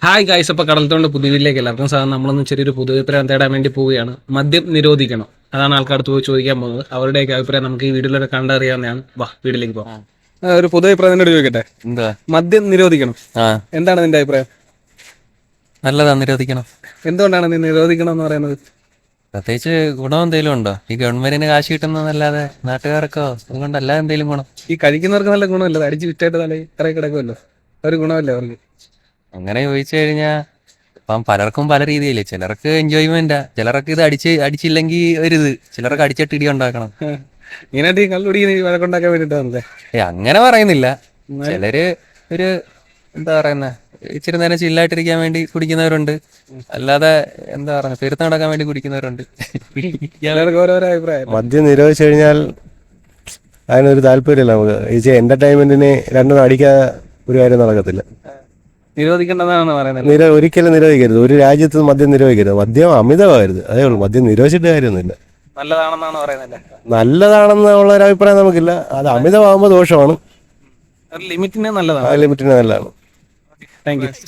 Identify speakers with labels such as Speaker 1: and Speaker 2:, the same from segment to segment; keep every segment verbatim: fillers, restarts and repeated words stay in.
Speaker 1: Hi guys, അപ്പോൾ കടൽത്തോണ്ട് പുതിയതിലേക്ക് എല്ലാവർക്കും സാധാരണ നമ്മളൊന്ന് ചെറിയൊരു പുതുവഭിപ്രായം തേടാൻ വേണ്ടി പോവുകയാണ്. മദ്യം നിരോധിക്കണം, അതാണ് ആൾക്കാർക്ക് പോയി ചോദിക്കാൻ പോകുന്നത്. അവരുടെയൊക്കെ അഭിപ്രായം നമുക്ക് ഈ വീഡിയോയിലൂടെ കണ്ടറിയാവുന്നതാണ്. വാ വീട്ടിലേക്ക് പോകാം. ഒരു പൊതുവഭിപ്രായം എന്നോട് ചോദിക്കട്ടെ,
Speaker 2: എന്താ
Speaker 1: മദ്യം നിരോധിക്കണം,
Speaker 2: ആ
Speaker 1: എന്താണ് നിന്റെ അഭിപ്രായം?
Speaker 2: നല്ലതാ, നിരോധിക്കണം.
Speaker 1: എന്തുകൊണ്ടാണ് നീ നിരോധിക്കണം എന്ന് പറയുന്നത്?
Speaker 2: പ്രത്യേകിച്ച് ഗുണം എന്തെങ്കിലും ഉണ്ടോ? ഈ ഗവൺമെന്റിന് കാശ് കിട്ടുന്നതല്ലാതെ നാട്ടുകാർക്കോ അതുകൊണ്ട് അല്ലാതെ എന്തെങ്കിലും ഗുണം?
Speaker 1: ഈ കഴിക്കുന്നവർക്ക് നല്ല ഗുണമല്ല, അടിച്ച് വിറ്റായിട്ട് തല ഇറങ്ങി കിടക്കുമല്ലോ, ഒരു ഗുണമല്ലേ അവർക്ക്?
Speaker 2: അങ്ങനെ ചോദിച്ചു കഴിഞ്ഞാൽ ഇപ്പം പലർക്കും പല രീതിയില്ലേ. ചിലർക്ക് എൻജോയ്മെന്റാ, ചിലർക്ക് ഇത് അടിച്ച് അടിച്ചില്ലെങ്കിൽ ഒരിത്, ചിലർക്ക് അടിച്ചിട്ട് ഇടി ഉണ്ടാക്കണം.
Speaker 1: മെയിനായിട്ട് ഈ കള്ളുടി വഴക്കുണ്ടാക്കാൻ വേണ്ടിയിട്ടാണല്ലേ?
Speaker 2: ഏ അങ്ങനെ പറയുന്നില്ല. ചിലര് ഒരു എന്താ പറയുന്ന ഇച്ചിരി നേരം ചില്ലായിട്ടിരിക്കാൻ വേണ്ടി കുടിക്കുന്നവരുണ്ട്, അല്ലാതെ എന്താ പറയുക പെരുത്ത് നടക്കാൻ വേണ്ടി കുടിക്കുന്നവരുണ്ട്.
Speaker 1: ചിലർക്ക് ഓരോരോ അഭിപ്രായം.
Speaker 3: മദ്യം നിരോധിച്ചു കഴിഞ്ഞാൽ അതിനൊരു താല്പര്യമില്ല നമുക്ക്. ഈ എന്റർടൈൻമെന്റിന് രണ്ടും അടിക്കാതെ ഒരു കാര്യം നടക്കത്തില്ല.
Speaker 1: നിരോധിക്കേണ്ടതാണ് പറയുന്നത്.
Speaker 3: നിര ഒരിക്കലും നിരോധിക്കരുത്. ഒരു രാജ്യത്ത് മദ്യം നിരോധിക്കരുത്. മദ്യം അമിതമാകരുത്, അതേ ഉള്ളൂ. മദ്യം നിരോധിച്ചിട്ട് കാര്യമൊന്നുമില്ല.
Speaker 1: നല്ലതാണെന്നാണ് പറയുന്നത്.
Speaker 3: നല്ലതാണെന്നുള്ള ഒരു അഭിപ്രായം നമുക്കില്ല. അത് അമിതമാകുമ്പോൾ ദോഷമാണ്,
Speaker 1: ഒരു ലിമിറ്റിന് നല്ലതാണ്.
Speaker 3: ആ ലിമിറ്റിന് നല്ലതാണ്.
Speaker 1: Thank you.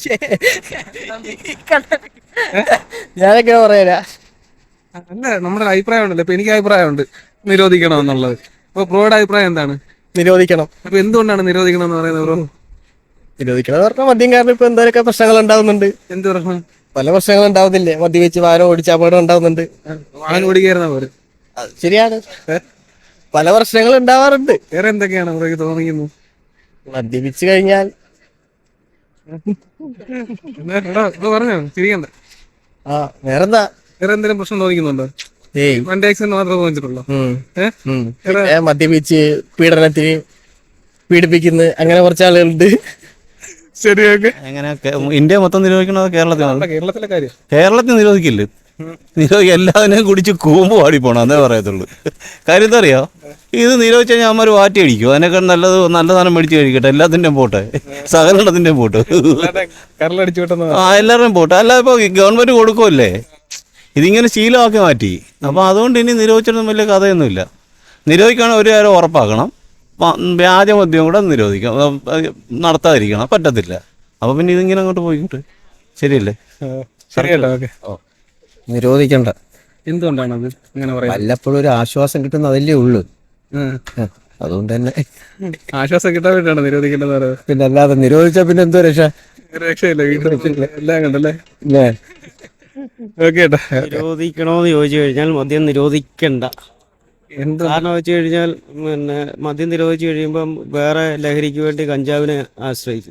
Speaker 4: ഞാനൊക്കെ പറയാ
Speaker 1: അല്ല, നമ്മുടെ അഭിപ്രായം ഉണ്ടല്ലോ. ഇപ്പൊ എനിക്ക് അഭിപ്രായമുണ്ട് നിരോധിക്കണം എന്നുള്ളത്. അപ്പൊ ബ്രോയുടെ അഭിപ്രായം എന്താണ്?
Speaker 4: നിരോധിക്കണം.
Speaker 1: അപ്പൊ എന്തുകൊണ്ടാണ് നിരോധിക്കണം എന്ന് പറയുന്നത് ബ്രോ?
Speaker 4: നിരോധിക്കണം എന്ന് പറഞ്ഞാൽ മദ്യം കാരണം ഇപ്പൊ എന്തൊക്കെ പ്രശ്നങ്ങൾ ഉണ്ടാവുന്നുണ്ട്.
Speaker 1: എന്ത് പ്രശ്നം?
Speaker 4: പല പ്രശ്നങ്ങൾ ഉണ്ടാവുന്നില്ലേ? മദ്യപിച്ച് വാഹനം ഓടിച്ച് അപകടം ഉണ്ടാവുന്നുണ്ട്.
Speaker 1: വാഹനം ഓടിക്കായിരുന്ന പോലെ.
Speaker 4: അത് ശരിയാണ്, പല പ്രശ്നങ്ങൾ ഉണ്ടാവാറുണ്ട്.
Speaker 1: വേറെ എന്തൊക്കെയാണ് ബ്രോയ്ക്ക് തോന്നിക്കുന്നത്?
Speaker 4: മദ്യപിച്ച് കഴിഞ്ഞാൽ
Speaker 1: പറഞ്ഞോ, ചിരിക്കണ്ട.
Speaker 4: ആ വേറെന്താ,
Speaker 1: വേറെ എന്തെങ്കിലും പ്രശ്നം തോന്നിക്കുന്നുണ്ടോ?
Speaker 4: ഏയ്
Speaker 1: വണ്ടി ആക്സിഡന്റ് മാത്രമേ തോന്നിച്ചിട്ടുള്ളൂ.
Speaker 4: ഉം.
Speaker 1: ഏഹ്
Speaker 4: ഉം. പിന്നെ മദ്യപിച്ച് പീഡനത്തിന് പീഡിപ്പിക്കുന്ന അങ്ങനെ കുറച്ച് ആളുകളുണ്ട്.
Speaker 1: ശരിയൊക്കെ.
Speaker 5: എങ്ങനെ ഇന്ത്യ മൊത്തം നിരോധിക്കണത് കേരളത്തിലാണ്?
Speaker 1: കേരളത്തിലെ കാര്യം
Speaker 5: കേരളത്തിൽ നിരോധിക്കില്ല. നിരോധി എല്ലാവരും കുടിച്ച് കൂമ്പ് പാടി പോണം, അതേ പറയത്തുള്ളൂ. കാര്യം എന്താ അറിയോ, ഇത് നിരോധിച്ച് കഴിഞ്ഞാൽ അമ്മ വാറ്റി അടിക്കും. അതിനേക്കാൾ നല്ലത് നല്ല സാധനം മേടിച്ച് കഴിക്കട്ടെ. എല്ലാത്തിൻ്റെയും പോട്ടെ, സകലത്തിൻ്റെയും പോട്ട്,
Speaker 1: കരളടിച്ചു വിട്ടെന്ന്.
Speaker 5: ആ എല്ലാവരുടെയും പോട്ടെ. അല്ല ഇപ്പോൾ ഗവൺമെന്റ് കൊടുക്കുമല്ലേ, ഇതിങ്ങനെ ശീലമാക്കി മാറ്റി. അപ്പോൾ അതുകൊണ്ട് ഇനി നിരോധിച്ചിട്ടൊന്നും വലിയ കഥയൊന്നുമില്ല. നിരോധിക്കുകയാണെങ്കിൽ ഒരു കാര്യം ഉറപ്പാക്കണം, വ്യാജമദ്യം കൂടെ നിരോധിക്കണം, നടത്താതിരിക്കണം. പറ്റത്തില്ല. അപ്പോൾ പിന്നെ ഇതിങ്ങനെ അങ്ങോട്ട് പോയിക്കോട്ടെ, ശരിയല്ലേ?
Speaker 1: ശരിയല്ലോ. ഓക്കെ,
Speaker 4: നിരോധിക്കണ്ട.
Speaker 1: എന്തുകൊണ്ടാണത് അങ്ങനെ പറയുന്നത്?
Speaker 4: വല്ലപ്പോഴും ഒരു ആശ്വാസം കിട്ടുന്ന അതല്ലേ ഉള്ളു. അതുകൊണ്ട് തന്നെ
Speaker 1: ആശ്വാസം കിട്ടാൻ വേണ്ടിയാണ് നിരോധിക്കേണ്ടത് പറയുന്നത്.
Speaker 4: പിന്നെ അല്ലാതെ നിരോധിച്ചാ പിന്നെ എന്തോ രക്ഷ?
Speaker 1: രക്ഷയില്ല, വീട്ടിൽ എല്ലാം കണ്ടല്ലേ.
Speaker 4: പിന്നെ
Speaker 1: ഓക്കെ ഏട്ടാ.
Speaker 6: നിരോധിക്കണോന്ന് ചോദിച്ചു കഴിഞ്ഞാൽ മദ്യം നിരോധിക്കണ്ട.
Speaker 1: എന്ത്
Speaker 6: കാരണം വെച്ച് കഴിഞ്ഞാൽ പിന്നെ മദ്യം നിരോധിച്ചു കഴിയുമ്പം വേറെ ലഹരിക്ക് വേണ്ടി കഞ്ചാവിനെ ആശ്രയിക്കും.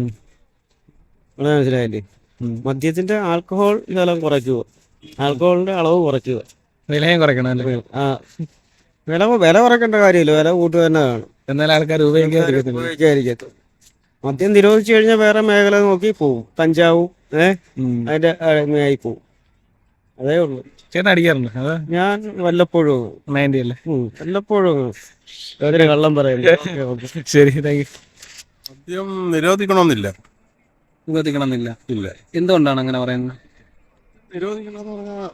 Speaker 6: ഇവിടെ മനസ്സിലായില്ലേ? മദ്യത്തിന്റെ ആൽക്കഹോൾ ശകലം കുറയ്ക്കുക, ആൽക്കഹോളിന്റെ അളവ് കുറയ്ക്കുക.
Speaker 1: വിലയും കുറയ്ക്കണം അല്ലേ?
Speaker 6: ആ വില വില കുറയ്ക്കേണ്ട കാര്യമില്ല, വില കൂട്ടുക തന്നെ വേണം.
Speaker 1: എന്നാൽ ആൾക്കാർ ഉപയോഗിക്കാതിരിക്കത്തില്ല.
Speaker 6: ഉപയോഗിക്കാതിരിക്കത്തു. മദ്യം നിരോധിച്ചു കഴിഞ്ഞാൽ വേറെ മേഖല നോക്കി പോവും, കഞ്ചാവും ഏഹ് അതിന്റെ അടിമയായി പോവും. അതേ ഉള്ളൂ.
Speaker 1: ചേട്ടൻ അടിക്കാറുണ്ട്? അതാ
Speaker 6: ഞാൻ വല്ലപ്പോഴും
Speaker 1: നയൻറ്റി അല്ലേ?
Speaker 6: വല്ലപ്പോഴും അതിന് കള്ളം പറയുന്നു.
Speaker 1: ശരി, താങ്ക് യു.
Speaker 7: മദ്യം നിരോധിക്കണമെന്നില്ല.
Speaker 1: നിരോധിക്കണമെന്നില്ല.
Speaker 7: ഇല്ല.
Speaker 1: എന്തുകൊണ്ടാണ് അങ്ങനെ പറയുന്നത്?
Speaker 7: നിരോധിക്കണമെന്ന് പറഞ്ഞാൽ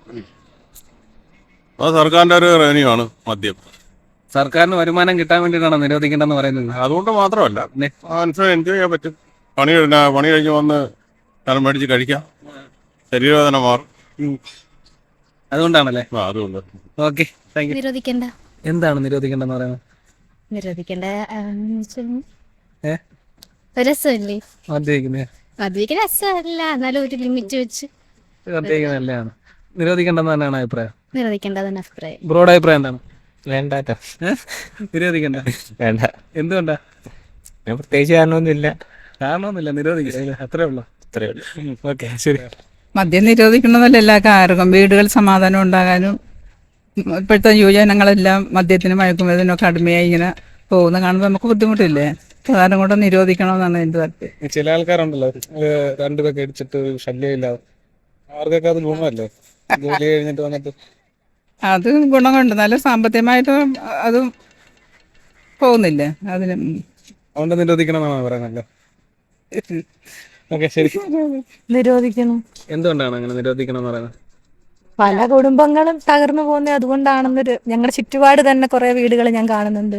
Speaker 7: അത് സർക്കാരിൻ്റെ ഒരു റവന്യൂ ആണ് മദ്യം.
Speaker 1: സർക്കാരിന് വരുമാനം കിട്ടാൻ വേണ്ടിയിട്ടാണ് നിരോധിക്കേണ്ടെന്ന് പറയുന്നത്.
Speaker 7: അതുകൊണ്ട് മാത്രമല്ല, മനസ്സിലായി എൻജോയ് ചെയ്യാൻ പറ്റും. പണി പണി കഴിഞ്ഞ് വന്ന് സ്ഥലം മേടിച്ച് കഴിക്കാം, ശരീരവേദന മാറും.
Speaker 1: അതുകൊണ്ടാണല്ലേ?
Speaker 7: ആ അതുകൊണ്ട്
Speaker 1: ഓക്കെ, താങ്ക് യു.
Speaker 8: നിരോധിക്കണ്ട.
Speaker 1: എന്താണ് നിരോധിക്കേണ്ടെന്ന് പറയുന്നത്?
Speaker 8: നിരോധിക്കണ്ട
Speaker 1: ഏ
Speaker 8: രസമല്ലേ?
Speaker 1: മദ്യപിക്കുന്നേ
Speaker 8: മദ്യപിക്കാൻ രസമല്ല, എന്നാലും ഒരു ലിമിറ്റ് വെച്ച്
Speaker 1: മദ്യപിക്കുന്നത് നല്ലതാണ്. നിരോധിക്കേണ്ടെന്ന് തന്നെയാണ് അഭിപ്രായം.
Speaker 8: നിരോധിക്കേണ്ടതാണ് അഭിപ്രായം.
Speaker 1: ബ്രോയുടെ അഭിപ്രായം എന്താണ്?
Speaker 2: വേണ്ടാട്ടോ,
Speaker 1: നിരോധിക്കണ്ട.
Speaker 2: വേണ്ട.
Speaker 1: എന്തുകൊണ്ടാ?
Speaker 2: പ്രത്യേകിച്ച് കാരണമൊന്നുമില്ല.
Speaker 1: കാരണമൊന്നുമില്ല, നിരോധിക്കില്ല, അത്രേ ഉള്ളൂ.
Speaker 2: അത്രേ ഉള്ളൂ.
Speaker 1: ഓക്കെ, ശരി.
Speaker 9: മദ്യം നിരോധിക്കണമെന്നല്ല എല്ലാവർക്കും ആർക്കും വീടുകൾ സമാധാനം ഉണ്ടാകാനും. ഇപ്പോഴത്തെ യുവജനങ്ങളെല്ലാം മദ്യത്തിനും മയക്കുമരുന്നിനൊക്കെ അടിമയായി ഇങ്ങനെ പോകുന്ന കാണുമ്പോൾ നമുക്ക് ബുദ്ധിമുട്ടില്ലേ? പ്രധാനം കൊണ്ട് നിരോധിക്കണമെന്നാണ് എൻ്റെ താല്പര്യം.
Speaker 1: ചില ആൾക്കാരുണ്ടല്ലോ, രണ്ടുപേർക്ക് അടിച്ചിട്ട് ശല്യമില്ലാതെ, അവർക്കൊക്കെ അത് ഗുണമല്ലേ? ജോലി കഴിഞ്ഞിട്ട് വന്നിട്ട്
Speaker 9: അത് ഗുണമുണ്ട്, നല്ല സാമ്പത്തികമായിട്ടും അതും പോകുന്നില്ലേ അതിന്.
Speaker 1: അതുകൊണ്ട് നിരോധിക്കണമെന്നാണ് പറയുന്നല്ലോ. ഓക്കെ, ശരി.
Speaker 8: നിരോധിക്കണം.
Speaker 1: എന്തുകൊണ്ടാണ് അങ്ങനെ നിരോധിക്കണം എന്ന് പറയുന്നത്?
Speaker 8: പല കുടുംബങ്ങളും തകർന്നു പോകുന്നത് അതുകൊണ്ടാണെന്നൊരു, ഞങ്ങളുടെ ചുറ്റുപാട് തന്നെ കുറെ വീടുകൾ ഞാൻ കാണുന്നുണ്ട്.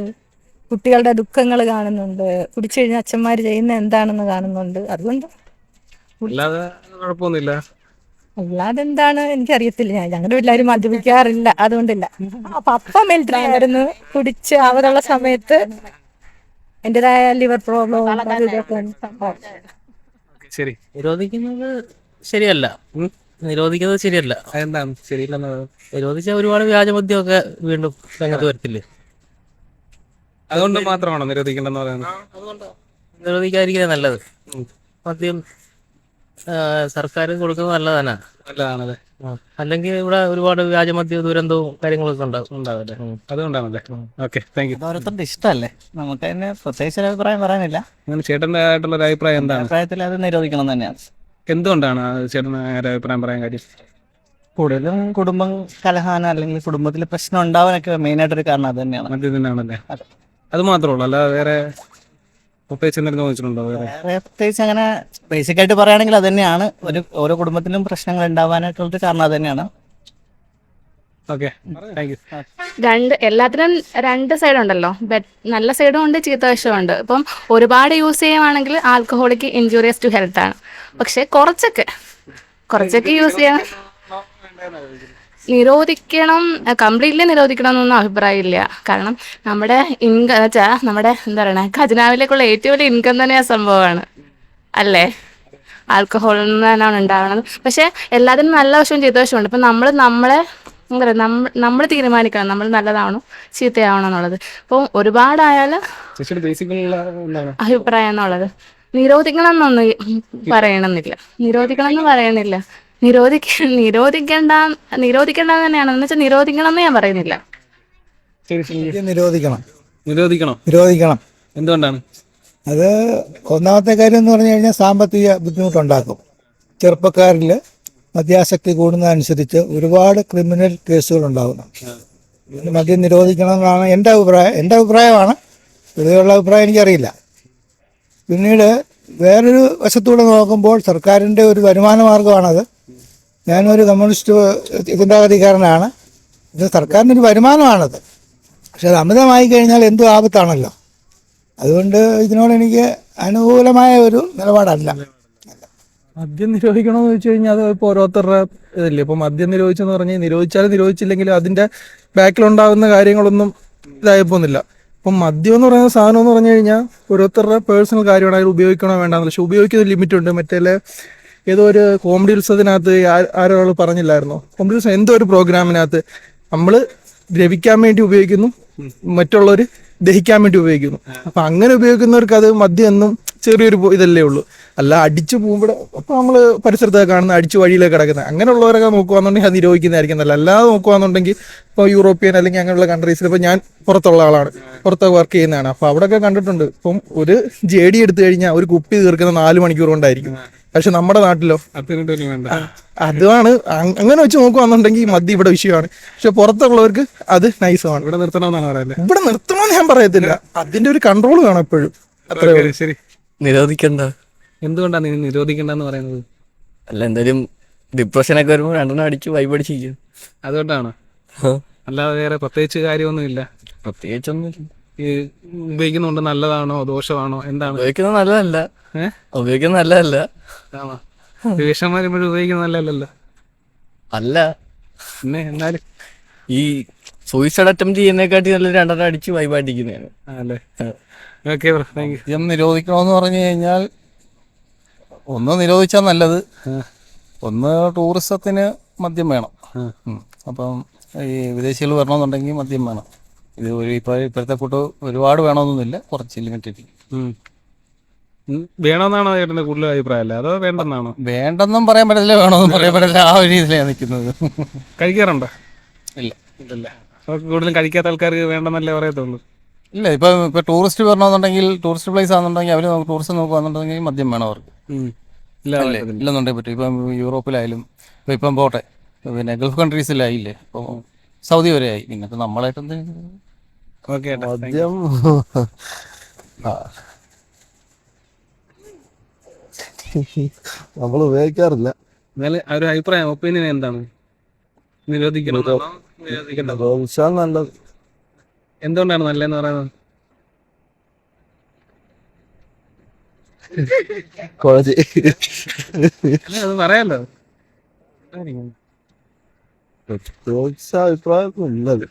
Speaker 8: കുട്ടികളുടെ ദുഃഖങ്ങൾ കാണുന്നുണ്ട്, കുടിച്ചു കഴിഞ്ഞാൽ അച്ഛന്മാർ ചെയ്യുന്ന എന്താണെന്ന് കാണുന്നുണ്ട്. അതുകൊണ്ട്
Speaker 1: അല്ലാതെ കുഴപ്പമൊന്നുമില്ല.
Speaker 8: അല്ലാതെ എന്താണ് എനിക്കറിയത്തില്ല. ഞാൻ ഞങ്ങളുടെ വീട്ടിലാരും മദ്യപിക്കാറില്ല, അതുകൊണ്ടില്ല. ആ, പപ്പ മിലിറ്ററി ആയിരുന്നു, കുടിച്ച് അവരുള്ള സമയത്ത് എന്റേതായ ലിവർ പ്രോബ്ലം ഇതൊക്കെ സംഭവം.
Speaker 1: ശരി.
Speaker 4: നിരോധിക്കുന്നത് ശരിയല്ല. നിരോധിക്കുന്നത് ശരിയല്ല.
Speaker 1: അതെന്താണ് ശരിയില്ലെന്നത്?
Speaker 4: നിരോധിച്ചാൽ ഒരുപാട് വ്യാജമദ്യമൊക്കെ വീണ്ടും രംഗത്ത് വരത്തില്ലേ?
Speaker 1: അതുകൊണ്ട് മാത്രമാണോ നിരോധിക്കേണ്ടെന്ന് പറയുന്നത്?
Speaker 4: നിരോധിക്കാതിരിക്കുന്നത് നല്ലത്. മദ്യം ആ, സർക്കാർ കൊടുക്കുന്നത് നല്ലതാണ്.
Speaker 1: നല്ലതാണല്ലേ.
Speaker 4: അല്ലെങ്കിൽ ഇവിടെ ഒരുപാട് വ്യാജമദ്യ ദുരന്തവും കാര്യങ്ങളൊക്കെ ഉണ്ടാവും.
Speaker 1: ഉണ്ടാവല്ലേ, അതുകൊണ്ടാണല്ലേ. Okay, thank you.
Speaker 10: ഓരോരുത്തരുടെ ഇഷ്ടമല്ലേ, നമുക്ക് തന്നെ പ്രത്യേകിച്ച് ഒരു അഭിപ്രായം പറയാനില്ല.
Speaker 1: അങ്ങനെ ചേട്ടൻ്റെ ആയിട്ടുള്ള ഒരു അഭിപ്രായം എന്താണ്?
Speaker 10: അഭിപ്രായത്തിൽ അത് നിരോധിക്കണം തന്നെയാണ്.
Speaker 1: എന്തുകൊണ്ടാണ് ആ ചേട്ടന് ഒരു അഭിപ്രായം പറയാൻ കാര്യം?
Speaker 10: കൂടുതലും കുടുംബം കലഹാന അല്ലെങ്കിൽ കുടുംബത്തിൽ പ്രശ്നം ഉണ്ടാവാനൊക്കെ മെയിനായിട്ടൊരു കാരണം അത് തന്നെയാണ്.
Speaker 1: മദ്യത്തിനാണല്ലേ? അത് മാത്രമേ ഉള്ളൂ, അല്ലാതെ വേറെ പ്രത്യേകിച്ച് എന്തെങ്കിലും തോന്നിച്ചിട്ടുണ്ടോ? വേറെ
Speaker 10: വേറെ പ്രത്യേകിച്ച് അങ്ങനെ ബേസിക് ആയിട്ട് പറയുകയാണെങ്കിൽ അത് തന്നെയാണ് ഒരു ഓരോ കുടുംബത്തിലും പ്രശ്നങ്ങൾ ഉണ്ടാവാനായിട്ടുള്ളൊരു കാരണം അത് തന്നെയാണ്.
Speaker 1: Okay, thank you.
Speaker 11: രണ്ട് എല്ലാത്തിനും രണ്ട് സൈഡ് ഉണ്ടല്ലോ. ബെറ്റ് നല്ല സൈഡും ഉണ്ട്, ചീത്ത വശവും ഉണ്ട്. ഇപ്പം ഒരുപാട് യൂസ് ചെയ്യുവാണെങ്കിൽ ആൽക്കഹോളിക് ഇഞ്ചൂറിയസ് ടു ഹെൽത്ത് ആണ്. പക്ഷെ കുറച്ചൊക്കെ കുറച്ചൊക്കെ യൂസ് ചെയ്യാൻ നിരോധിക്കണം, കംപ്ലീറ്റ്ലി നിരോധിക്കണം എന്നൊന്നും അഭിപ്രായമില്ല. കാരണം നമ്മുടെ ഇൻകം വെച്ചാൽ നമ്മുടെ എന്താ പറയണേ ഖജനാവിലേക്കുള്ള ഏറ്റവും വലിയ ഇൻകം തന്നെ ആ സംഭവമാണ് അല്ലേ, ആൽക്കഹോളിൽ നിന്ന് തന്നെയാണ് ഉണ്ടാവുന്നത്. പക്ഷെ എല്ലാത്തിനും നല്ല വശവും ചീത്ത വശവും ഉണ്ട്. ഇപ്പം നമ്മൾ നമ്മളെ എന്താ പറയുക, നമ്മൾ നമ്മൾ തീരുമാനിക്കണം നമ്മൾ നല്ലതാണോ ചീത്തയാവണോ എന്നുള്ളത്. അപ്പോൾ ഒരുപാടായാൽ
Speaker 1: ചേച്ചിയുടെ ബേസിക്കലുള്ള എന്താണ്
Speaker 11: അഭിപ്രായം എന്നുള്ളത് നിരോധിക്കണം എന്നൊന്നും പറയണമെന്നില്ല. നിരോധിക്കണം എന്ന് പറയണില്ല. നിരോധിക്ക നിരോധിക്കേണ്ട നിരോധിക്കേണ്ട തന്നെയാണ് എന്ന് വെച്ചാൽ നിരോധിക്കണം എന്ന് ഞാൻ പറയുന്നില്ല.
Speaker 1: ശരി ശരി.
Speaker 12: നിരോധിക്കണം
Speaker 1: നിരോധിക്കണോ?
Speaker 12: നിരോധിക്കണം.
Speaker 1: എന്തുകൊണ്ടാണ്?
Speaker 12: അത് ഒന്നാമത്തെ കാര്യം എന്ന് പറഞ്ഞു കഴിഞ്ഞാൽ സാമ്പത്തിക ബുദ്ധിമുട്ടുണ്ടാക്കും. ചെറുപ്പക്കാരിൽ മദ്യാസക്തി കൂടുന്നതനുസരിച്ച് ഒരുപാട് ക്രിമിനൽ കേസുകൾ ഉണ്ടാകുന്നു. മദ്യം നിരോധിക്കണം എന്നാണ് എൻ്റെ അഭിപ്രായം. എൻ്റെ അഭിപ്രായമാണ്, പൊതുവെയുള്ള അഭിപ്രായം എനിക്കറിയില്ല. പിന്നീട് വേറൊരു വശത്തൂടെ നോക്കുമ്പോൾ സർക്കാരിൻ്റെ ഒരു വരുമാന മാർഗമാണത്. ഞാനൊരു കമ്മ്യൂണിസ്റ്റ് ചിന്താഗതിക്കാരനാണ്. ഇത് സർക്കാരിൻ്റെ ഒരു വരുമാനമാണത്. പക്ഷെ അത് അമിതമായി കഴിഞ്ഞാൽ എന്തും ആപത്താണല്ലോ. അതുകൊണ്ട് ഇതിനോട് എനിക്ക് അനുകൂലമായ ഒരു നിലപാടല്ല.
Speaker 1: മദ്യം നിരോധിക്കണമെന്ന് വെച്ച് കഴിഞ്ഞാൽ അത് ഇപ്പോൾ ഓരോരുത്തരുടെ ഇതില്ലേ. ഇപ്പോൾ മദ്യം നിരോധിച്ചെന്ന് പറഞ്ഞാൽ നിരോധിച്ചാലും നിരോധിച്ചില്ലെങ്കിലും അതിൻ്റെ ബാക്കിലുണ്ടാകുന്ന കാര്യങ്ങളൊന്നും ഇതായി പോകുന്നില്ല. ഇപ്പം മദ്യം എന്ന് പറയുന്ന സാധനം എന്ന് പറഞ്ഞു കഴിഞ്ഞാൽ ഓരോരുത്തരുടെ പേഴ്സണൽ കാര്യമാണ്, അതിൽ ഉപയോഗിക്കണോ വേണ്ടാന്ന്. പക്ഷെ ഉപയോഗിക്കുന്ന ലിമിറ്റുണ്ട്. മറ്റേ ഏതോ ഒരു കോമഡി ഉത്സവത്തിനകത്ത് ആരൊരാൾ പറഞ്ഞില്ലായിരുന്നോ, കോമഡി ഉത്സവം എന്തോ ഒരു പ്രോഗ്രാമിനകത്ത് നമ്മൾ ദ്രവിക്കാൻ വേണ്ടി ഉപയോഗിക്കുന്നു, മറ്റുള്ളവർ ദഹിക്കാൻ വേണ്ടി ഉപയോഗിക്കുന്നു. അപ്പം അങ്ങനെ ഉപയോഗിക്കുന്നവർക്ക് അത് മദ്യം എന്നും ചെറിയൊരു ഇതല്ലേ ഉള്ളൂ. അല്ല അടിച്ചു പോകുമ്പോൾ അപ്പോൾ നമ്മൾ പരിസരത്തൊക്കെ കാണുന്ന അടിച്ചു വഴിയിലേക്ക് കിടക്കുന്നത് അങ്ങനെയുള്ളവരൊക്കെ നോക്കുകയാണെന്നുണ്ടെങ്കിൽ അത് നിരോധിക്കുന്നതായിരിക്കും നല്ല. അല്ലാതെ നോക്കുകയാണെന്നുണ്ടെങ്കിൽ ഇപ്പോൾ യൂറോപ്യൻ അല്ലെങ്കിൽ അങ്ങനെയുള്ള കൺട്രീസിൽ ഇപ്പോൾ ഞാൻ പുറത്തുള്ള ആളാണ്, പുറത്തൊക്കെ വർക്ക് ചെയ്യുന്നതാണ്. അപ്പോൾ അവിടെയൊക്കെ കണ്ടിട്ടുണ്ട്, ഇപ്പം ഒരു ജെ ഡി എടുത്തു കഴിഞ്ഞാൽ ഒരു കുപ്പി തീർക്കുന്ന നാല് മണിക്കൂർ കൊണ്ടായിരിക്കും. പക്ഷെ നമ്മുടെ നാട്ടിലോ അതാണ്. അങ്ങനെ വെച്ച് നോക്കുകയാണെന്നുണ്ടെങ്കിൽ മദ്യം ഇവിടെ വിഷയമാണ്. പക്ഷെ പുറത്തുള്ളവർക്ക് അത് നൈസമാണ്. ഇവിടെ നിർത്തണമെന്നാണ് പറയുന്നത്. ഇവിടെ നിർത്തണമെന്ന് ഞാൻ പറയത്തില്ല, അതിന്റെ ഒരു കൺട്രോൾ വേണം എപ്പോഴും. അത്രേ. ശരി.
Speaker 2: നിരോധിക്കണ്ട.
Speaker 1: എന്തുകൊണ്ടാണ് നീ നിരോധിക്കണ്ടെന്ന് പറയുന്നത്?
Speaker 2: അല്ല, എന്തായാലും ഡിപ്രഷനൊക്കെ വരുമ്പോൾ രണ്ടെണ്ണം അടിച്ച് വൈബ് അടിച്ചിരിക്കും.
Speaker 1: അതുകൊണ്ടാണ്, അല്ലാതെ വേറെ പ്രത്യേകിച്ച് കാര്യമൊന്നുമില്ല.
Speaker 2: പ്രത്യേകിച്ചൊന്നും
Speaker 1: ഈ ഉപയോഗിക്കുന്നുണ്ട് നല്ലതാണോ ദോഷമാണോ എന്താണ്?
Speaker 2: ഉപയോഗിക്കുന്നത് നല്ലതല്ല.
Speaker 1: ഏഹ്
Speaker 2: ഉപയോഗിക്കുന്നത് നല്ലതല്ല.
Speaker 1: ആണോ? വിഷന്മാർ ഇപ്പോഴും ഉപയോഗിക്കുന്നത് നല്ലതല്ലല്ലോ.
Speaker 2: അല്ല,
Speaker 1: പിന്നെ എന്നാലും
Speaker 2: ഈ സൂയിസൈഡ് അറ്റംപ്റ്റ് ചെയ്യുന്നതിനെക്കാട്ടി നല്ല രണ്ടെണ്ണം അടിച്ച് വൈബായിട്ടിരിക്കുന്നതാണ്.
Speaker 1: അല്ലേ? Okay bro, thank you.
Speaker 10: മദ്യം നിരോധിക്കണമെന്ന് പറഞ്ഞു കഴിഞ്ഞാൽ ഒന്ന് നിരോധിച്ചാൽ നല്ലത്. ഒന്ന് ടൂറിസത്തിന് മദ്യം വേണം. അപ്പം ഈ വിദേശികൾ വരണമെന്നുണ്ടെങ്കിൽ മദ്യം വേണം. ഇത് ഒരു ഇപ്പോൾ ഇപ്പോഴത്തെ കൂട്ട് ഒരുപാട് വേണമെന്നൊന്നുമില്ല, കുറച്ച് ലിമിറ്റഡ്
Speaker 1: വേണമെന്നാണോ ചേട്ടൻ്റെ കൂടുതൽ അഭിപ്രായം അല്ലേ, അതോ വേണ്ടെന്നാണോ?
Speaker 10: വേണ്ടെന്നും പറയാൻ പറ്റില്ല, വേണമെന്നും പറയാൻ പറ്റില്ല. ആ ഒരു രീതിയിലാണ് നിൽക്കുന്നത്.
Speaker 1: കഴിക്കാറുണ്ടോ?
Speaker 10: ഇല്ല
Speaker 1: ഇല്ലല്ല. അവർക്ക് കൂടുതലും കഴിക്കാത്ത ആൾക്കാർക്ക് വേണ്ടെന്നല്ലേ പറയത്തുള്ളൂ.
Speaker 10: ഇല്ല, ഇപ്പം ഇപ്പോൾ ടൂറിസ്റ്റ് വരണമെന്നുണ്ടെങ്കിൽ ടൂറിസ്റ്റ് പ്ലേസ് ആണെന്നുണ്ടെങ്കിൽ അവർ ടൂറിസ്റ്റ് നോക്കുകയാണെന്നുണ്ടെങ്കിൽ മദ്യം വേണം അവർക്ക്. അല്ലേ? ഇല്ലെന്നുണ്ടെങ്കിൽ പറ്റും. ഇപ്പം യൂറോപ്പിലായാലും ഇപ്പം ഇപ്പം പോട്ടെ, പിന്നെ ഗൾഫ് കൺട്രീസിലായില്ലേ, ഇപ്പോൾ സൗദി വരെ ആയി. പിന്നെ ഇപ്പം നമ്മളായിട്ട് എന്തെങ്കിലും
Speaker 1: ഓക്കെ.
Speaker 3: മദ്യം നമ്മൾ ഉപയോഗിക്കാറില്ല.
Speaker 1: എന്നാലും ആ ഒരു അഭിപ്രായം, ഒപ്പീനിയൻ എന്താണ്? നിരോധിക്കണം നിരോധിക്കണ്ടോ?
Speaker 3: നിരോധിച്ചാൽ നല്ലത്.
Speaker 1: എന്തുകൊണ്ടാണ് നല്ലതെന്ന് പറയുന്നത്?
Speaker 3: കോളേജ്
Speaker 1: അല്ല, അത് പറയാലോ.
Speaker 3: അഭിപ്രായമുള്ളത്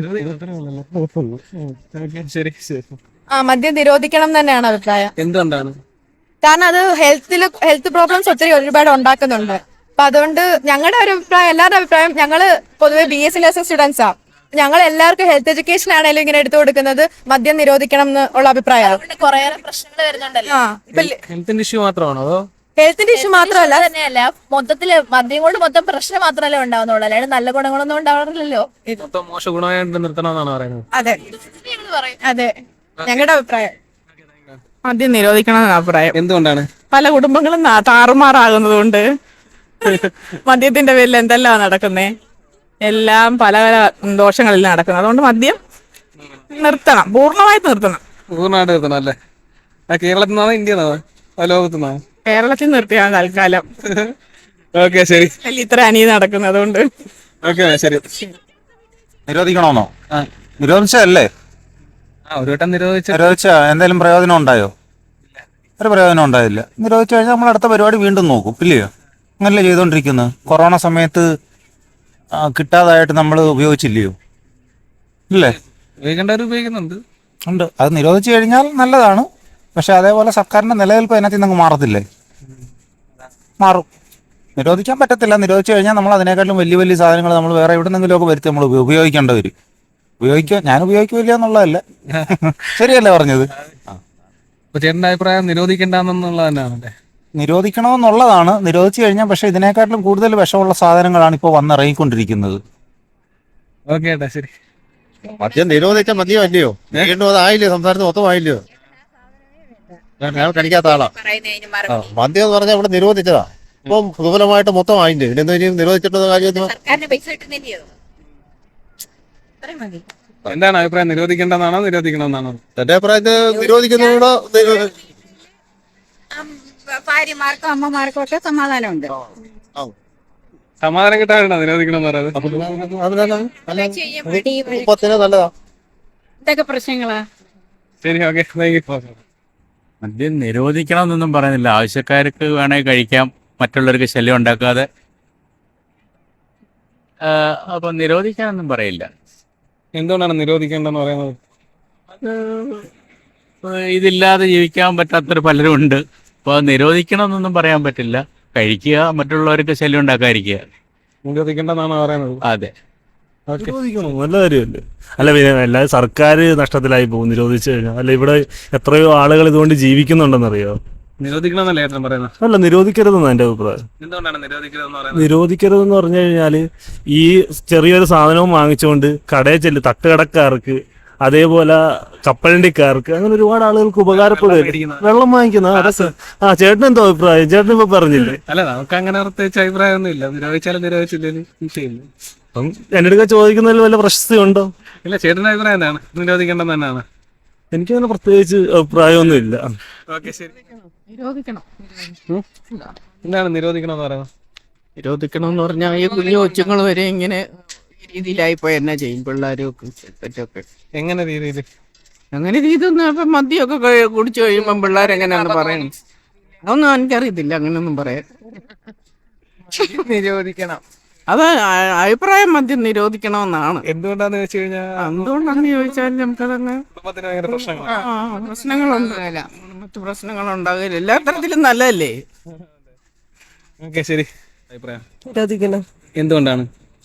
Speaker 1: ശരി ശരി.
Speaker 8: ആ മദ്യം നിരോധിക്കണം തന്നെയാണ് അഭിപ്രായം.
Speaker 1: എന്തുകൊണ്ടാണ്?
Speaker 8: കാരണം അത് ഹെൽത്തിൽ ഹെൽത്ത് പ്രോബ്ലംസ് ഒത്തിരി ഒരുപാട് ഉണ്ടാക്കുന്നുണ്ട്. അപ്പൊ അതുകൊണ്ട് ഞങ്ങളുടെ ഒരു അഭിപ്രായം, എല്ലാവരുടെ അഭിപ്രായം, ഞങ്ങള് പൊതുവെ ബി എസ് സി നഴ്സിംഗ് സ്റ്റുഡൻസാ, ഞങ്ങൾ എല്ലാവർക്കും ഹെൽത്ത് എഡ്യൂക്കേഷൻ ആണെങ്കിലും ഇങ്ങനെ എടുത്തു കൊടുക്കുന്നത് മദ്യം നിരോധിക്കണം എന്ന് ഉള്ള അഭിപ്രായമാണ്.
Speaker 11: കുറേ പ്രശ്നങ്ങൾ വരുന്നുണ്ടല്ലോ.
Speaker 8: ആ ഇപ്പൊ
Speaker 1: ഹെൽത്തിന്റെ ഇഷ്യൂ മാത്രമാണോ അതോ
Speaker 8: ഹെൽത്തിന്റെ ഇഷ്യൂ മാത്രമല്ല,
Speaker 11: തന്നെയല്ല, മൊത്തത്തില് മദ്യം കൊണ്ട് മൊത്തം പ്രശ്നം മാത്രമല്ലേ ഉണ്ടാവുന്നുള്ളൂ, അല്ലാണ്ട് നല്ല ഗുണങ്ങളൊന്നും ഉണ്ടാവാറില്ലല്ലോ.
Speaker 1: മൊത്തം മോശ ഗുണമായിട്ട് നിർത്തണമെന്നാണ് പറയുന്നത്?
Speaker 8: അതെ അതെ ഞങ്ങളുടെ അഭിപ്രായം.
Speaker 9: മദ്യം നിരോധിക്കണം അഭിപ്രായം.
Speaker 1: എന്തുകൊണ്ടാണ്?
Speaker 9: പല കുടുംബങ്ങളും നാ- താറുമാറാകുന്നത് കൊണ്ട് മദ്യത്തിന്റെ പേരിൽ എന്തെല്ലാം നടക്കുന്നേ, എല്ലാം പല പല ദോഷങ്ങളിൽ നടക്കുന്നത്. അതുകൊണ്ട് മദ്യം നിർത്തണം, പൂർണ്ണമായിട്ട് നിർത്തണം.
Speaker 1: പൂർണ്ണമായിട്ട് നിർത്തണം അല്ലേ? ആ കേരളത്തിൽ നിന്നാണോ ഇന്ത്യ നിന്നാണോ ആ ലോകത്തു നിന്നാണോ?
Speaker 9: കേരളത്തിൽ നിർത്തിയാണ് തൽക്കാലം.
Speaker 1: ഓക്കെ ശരി.
Speaker 9: അതിൽ ഇത്ര അനീതി നടക്കുന്നത് അതുകൊണ്ട്.
Speaker 1: ഓക്കെ ശരി.
Speaker 7: നിരോധിക്കണമെന്നോ? നിരോധിച്ചല്ലേ?
Speaker 1: ആ ഒരു വട്ടം നിരോധിച്ച
Speaker 7: നിരോധിച്ച എന്തെങ്കിലും പ്രയോജനം ഉണ്ടായോ? ഒരു പ്രയോജനം ഉണ്ടായില്ല. നിരോധിച്ചു കഴിഞ്ഞാൽ നമ്മൾ അടുത്ത പരിപാടി വീണ്ടും നോക്കും, ഇല്ലയോ? അങ്ങനല്ലേ ചെയ്തുകൊണ്ടിരിക്കുന്നത്. കൊറോണ സമയത്ത് ആ, കിട്ടാതായിട്ട് നമ്മൾ ഉപയോഗിച്ചില്ലയോ? ഇല്ലേ?
Speaker 1: ഉപയോഗിക്കേണ്ടവർ ഉപയോഗിക്കുന്നുണ്ട്.
Speaker 7: ഉണ്ട്. അത് നിരോധിച്ചു കഴിഞ്ഞാൽ നല്ലതാണ്. പക്ഷെ അതേപോലെ സർക്കാരിന്റെ നിലനിൽപ്പ് അതിനകത്ത് നിന്ന് മാറത്തില്ലേ? മാറും. നിരോധിക്കാൻ പറ്റത്തില്ല. നിരോധിച്ചു കഴിഞ്ഞാൽ നമ്മൾ അതിനേക്കാളും വലിയ വലിയ സാധനങ്ങൾ നമ്മൾ വേറെ എവിടെ നിന്നെങ്കിലുമൊക്കെ വരുത്തി നമ്മൾ ഉപയോഗിക്കേണ്ടി വരും. ഉപയോഗിക്കുക, ഞാൻ ഉപയോഗിക്കില്ല എന്നുള്ളതല്ല, ശരിയല്ലേ പറഞ്ഞത്?
Speaker 1: അപ്പൊ ചേട്ടന്റെ അഭിപ്രായം നിരോധിക്കേണ്ടെന്നുള്ളത് തന്നെയാണല്ലേ?
Speaker 7: നിരോധിക്കണമെന്നുള്ളതാണ്. നിരോധിച്ചു കഴിഞ്ഞാൽ പക്ഷെ ഇതിനേക്കാട്ടിലും കൂടുതൽ വിഷമുള്ള സാധനങ്ങളാണ് ഇപ്പോൾ വന്നിറങ്ങിക്കൊണ്ടിരിക്കുന്നത്.
Speaker 1: ഓക്കെ ഏട്ടാ ശരി.
Speaker 3: മദ്യം നിരോധിച്ച മദ്യം അല്ലയോ? വീണ്ടും അതായില്ലയോ? സംസാരത്തിൽ മൊത്തം ആയില്ലയോ? ഞാൻ കഴിക്കാത്ത ആളാ. ആ, മദ്യം എന്ന് പറഞ്ഞാൽ ഇവിടെ നിരോധിച്ചതാ. ഇപ്പം ദുബലമായിട്ട് മൊത്തം ആയില്ലേ? പിന്നെ ഇനി നിരോധിച്ചിട്ടുള്ള കാര്യം
Speaker 1: എന്താണ് അഭിപ്രായം? നിരോധിക്കേണ്ടെന്നാണോ നിരോധിക്കണമെന്നാണോ?
Speaker 3: എന്റെ അഭിപ്രായത്തിൽ നിരോധിക്കുന്നതോടെ
Speaker 9: ഭാര്യമാർക്കും അമ്മമാർക്കും ഒക്കെ സമാധാനമുണ്ട്.
Speaker 1: സമാധാനം കിട്ടാറുണ്ടോ നിരോധിക്കണമെന്ന് പറയുന്നത്?
Speaker 3: കുടുംബത്തിന് നല്ലതാ.
Speaker 9: ഇതൊക്കെ പ്രശ്നങ്ങളാ.
Speaker 1: ശരി ഓക്കെ താങ്ക് യു.
Speaker 13: മദ്യം നിരോധിക്കണം എന്നൊന്നും പറയുന്നില്ല. ആവശ്യക്കാർക്ക് വേണമെങ്കിൽ കഴിക്കാം, മറ്റുള്ളവർക്ക് ശല്യം ഉണ്ടാക്കാതെ. അപ്പം നിരോധിക്കാനൊന്നും പറയില്ല.
Speaker 1: എന്തുകൊണ്ടാണ് നിരോധിക്കേണ്ടെന്ന് പറയുന്നത്?
Speaker 13: അത് ഇതില്ലാതെ ജീവിക്കാൻ പറ്റാത്തൊരു പലരും ഉണ്ട്. അപ്പോൾ നിരോധിക്കണം എന്നൊന്നും പറയാൻ പറ്റില്ല. കഴിക്കുക, മറ്റുള്ളവർക്ക് ശല്യം ഉണ്ടാക്കാതിരിക്കുക.
Speaker 1: നിരോധിക്കേണ്ടെന്നാണ് പറയുന്നത്?
Speaker 13: അതെ.
Speaker 3: നിരോധിക്കണം, നല്ല കാര്യമല്ലേ? അല്ല പിന്നെ എല്ലാ സർക്കാർ നഷ്ടത്തിലായി പോകും നിരോധിച്ചു കഴിഞ്ഞാൽ. അല്ല ഇവിടെ എത്രയോ ആളുകൾ ഇതുകൊണ്ട് ജീവിക്കുന്നുണ്ടെന്നറിയോ?
Speaker 1: നിരോധിക്കണമെന്നല്ലേ ഏട്ടൻ പറയുന്നത്?
Speaker 3: അല്ല, നിരോധിക്കരുതെന്നാണ് എൻ്റെ അഭിപ്രായം.
Speaker 1: എന്തുകൊണ്ടാണ് നിരോധിക്കരുതെന്ന് പറയുന്നത്?
Speaker 3: നിരോധിക്കരുതെന്ന് പറഞ്ഞു കഴിഞ്ഞാൽ ഈ ചെറിയൊരു സാധനവും വാങ്ങിച്ചുകൊണ്ട് കടയിൽ ചെല്ലും തട്ടുകടക്കാർക്ക്, അതേപോലെ കപ്പലണ്ടിക്കാർക്ക്, അങ്ങനെ ഒരുപാട് ആളുകൾക്ക് ഉപകാരപ്പെടും. വെള്ളം വാങ്ങിക്കുന്ന അതൊക്കെ. ആ ചേട്ടൻ എന്തോ അഭിപ്രായം? ചേട്ടൻ ഇപ്പൊ പറഞ്ഞില്ലേ?
Speaker 1: അല്ല നമുക്ക് അങ്ങനെ പ്രത്യേകിച്ച് അഭിപ്രായമൊന്നും ഇല്ല. നിരോധിച്ചാലും നിരോധിച്ചില്ലേലും വിഷയമില്ല.
Speaker 3: അപ്പം എൻ്റെ അടുക്ക ചോദിക്കുന്നതിൽ വല്ല പ്രശസ്തി ഉണ്ടോ?
Speaker 1: ഇല്ല, ചേട്ടൻ്റെ അഭിപ്രായം എന്താണ്? നിരോധിക്കേണ്ടെന്ന് തന്നെയാണ്.
Speaker 3: എനിക്കങ്ങനെ പ്രത്യേകിച്ച് അഭിപ്രായമൊന്നും ഇല്ല.
Speaker 1: ഓക്കെ ശരി.
Speaker 9: നിരോധിക്കണം.
Speaker 1: എന്താണ് നിരോധിക്കണം എന്ന് പറയുന്നത്?
Speaker 9: നിരോധിക്കണം എന്ന് പറഞ്ഞാൽ ഈ കുഞ്ഞു കൊച്ചുങ്ങൾ വരെ ഇങ്ങനെ ഈ രീതിയിലായിപ്പോയി എന്നാ ചെയ്യും പിള്ളേരും ഒക്കെ.
Speaker 1: എങ്ങനെ രീതിയിൽ?
Speaker 9: അങ്ങനെ രീതി ഒന്നും ഇപ്പം മദ്യമൊക്കെ കഴി- കുടിച്ചു കഴിയുമ്പം പിള്ളേരെങ്ങനെയാണെന്ന് പറയണം. അതൊന്നും എനിക്കറിയത്തില്ല അങ്ങനെയൊന്നും പറയാൻ.
Speaker 6: നിരോധിക്കണം.
Speaker 9: അത് അ- അഭിപ്രായം മദ്യം നിരോധിക്കണമെന്നാണ്.
Speaker 1: എന്തുകൊണ്ടാന്ന് വെച്ച് കഴിഞ്ഞാൽ
Speaker 9: എന്തുകൊണ്ടാന്ന് ചോദിച്ചാൽ നമുക്കതങ്ങ്
Speaker 1: കുടുംബത്തിന് ഭയങ്കര പ്രശ്നങ്ങളാണ്.
Speaker 9: ആ പ്രശ്നങ്ങളുണ്ട്, മറ്റു പ്രശ്നങ്ങളുണ്ടാകില്ല. എല്ലാ തരത്തിലും നല്ലതല്ലേ.
Speaker 1: ഓക്കെ ശരി. അഭിപ്രായം
Speaker 6: നിരോധിക്കണം.
Speaker 1: എന്തുകൊണ്ടാണ്?